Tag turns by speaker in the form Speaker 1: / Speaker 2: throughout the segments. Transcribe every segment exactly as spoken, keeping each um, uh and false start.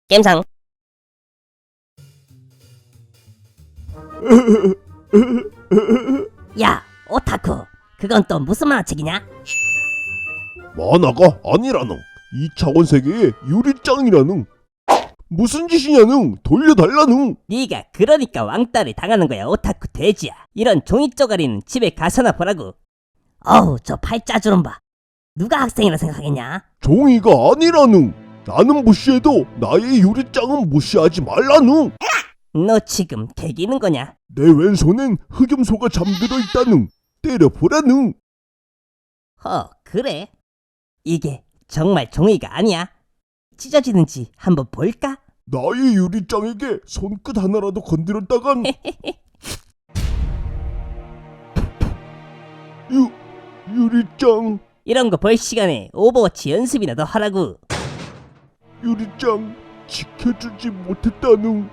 Speaker 1: 겜상. 야, 오타쿠, 그건 또 무슨 만화책이냐?
Speaker 2: 만화가 아니라는 이 차원 세계의 유리짱이라는 무슨 짓이냐는 돌려달라는.
Speaker 1: 네가 그러니까 왕따를 당하는 거야, 오타쿠 돼지야. 이런 종이 쪼가리는 집에 가서나 보라고. 어우, 저 팔자주름 봐. 누가 학생이라 생각하겠냐?
Speaker 2: 종이가 아니라는. 나는 무시해도 나의 유리짱은 무시하지 말라는.
Speaker 1: 너 지금 개기는 거냐?
Speaker 2: 내 왼손엔 흑염소가 잠들어 있다는. 때려보라는.
Speaker 1: 허, 그래? 이게 정말 종이가 아니야? 찢어지는지 한번 볼까?
Speaker 2: 나의 유리짱에게 손끝 하나라도 건드렸다간 유, 유리짱
Speaker 1: 이런 거 볼 시간에 오버워치 연습이나 더 하라고.
Speaker 2: 유리짱 지켜주지 못했다는.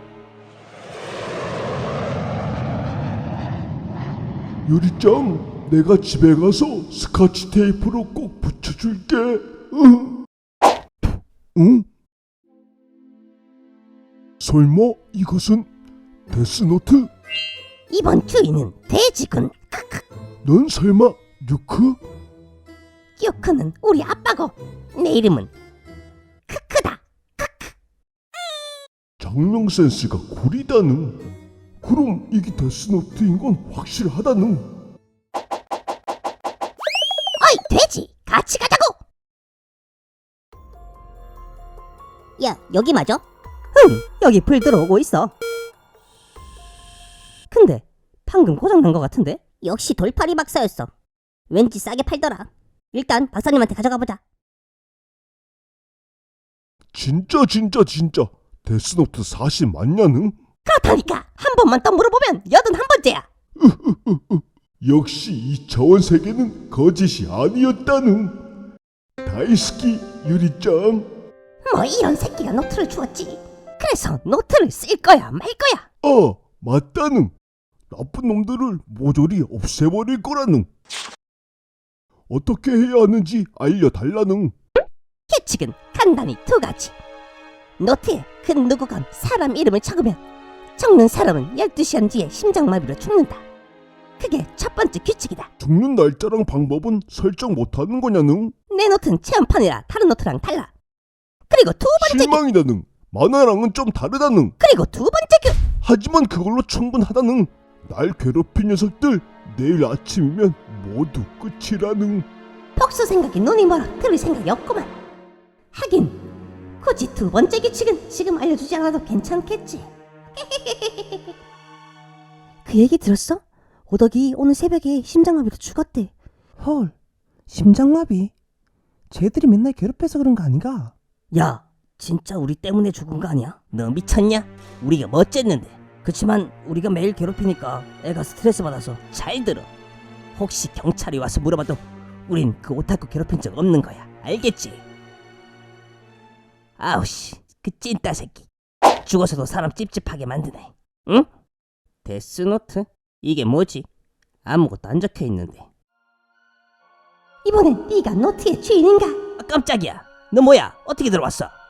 Speaker 2: 유리짱, 내가 집에 가서 스카치 테이프로 꼭 붙여줄게. 응? 응? 설마 이것은 데스노트?
Speaker 1: 이번 주인은 돼지군.
Speaker 2: 넌 설마 뉴크?
Speaker 1: 요크는 우리 아빠고 내 이름은 크크다.
Speaker 2: 장명 센스가 구리다는. 그럼 이게 데스노트인 건 확실하다는.
Speaker 1: 어이 돼지, 같이 가자고. 야, 여기 맞아? 응, 여기 불 들어오고 있어. 근데 방금 고장난 것 같은데? 역시 돌팔이 박사였어. 왠지 싸게 팔더라. 일단 박사님한테 가져가 보자.
Speaker 2: 진짜 진짜 진짜 데스노트 사실 맞냐는?
Speaker 1: 그렇다니까 한 번만 더 물어보면 여든 한 번째야.
Speaker 2: 역시 이 차원 세계는 거짓이 아니었다는. 다이스키 유리짱.
Speaker 1: 뭐 이런 새끼가 노트를 주었지. 그래서 노트를 쓸 거야 말 거야.
Speaker 2: 아, 맞다는. 나쁜 놈들을 모조리 없애버릴 거라는. 어떻게 해야 하는지 알려달라는.
Speaker 1: 규칙은 간단히 두 가지. 노트에 그 누구건 사람 이름을 적으면 적는 사람은 열두 시간 뒤에 심장마비로 죽는다. 그게 첫 번째 규칙이다.
Speaker 2: 죽는 날짜랑 방법은 설정 못하는 거냐는.
Speaker 1: 내 노트는 체험판이라 다른 노트랑 달라. 그리고 두 번째 규...
Speaker 2: 실망이다는. 만화랑은 좀 다르다는.
Speaker 1: 그리고 두 번째 규...
Speaker 2: 하지만 그걸로 충분하다는. 날 괴롭힌 녀석들 내일 아침이면 모두 끝이라는.
Speaker 1: 복수 생각에 눈이 멀어 들을 생각이 없구만. 하긴 굳이 두 번째 규칙은 지금 알려주지 않아도 괜찮겠지. 그 얘기 들었어? 오덕이 오늘 새벽에 심장마비로 죽었대.
Speaker 3: 헐, 심장마비? 쟤들이 맨날 괴롭혀서 그런 거 아닌가?
Speaker 1: 야, 진짜 우리 때문에 죽은 거 아니야? 너 미쳤냐? 우리가 뭐 어쨌는데. 그치만 우리가 매일 괴롭히니까 애가 스트레스 받아서 잘 들어. 혹시 경찰이 와서 물어봐도 우린 그 오타쿠 괴롭힌 적 없는 거야. 알겠지? 아우씨, 그 찐따 새끼. 죽어서도 사람 찝찝하게 만드네. 응? 데스노트? 이게 뭐지? 아무것도 안 적혀 있는데. 이번엔 네가 노트의 주인인가? 아, 깜짝이야. 너 뭐야? 어떻게 들어왔어?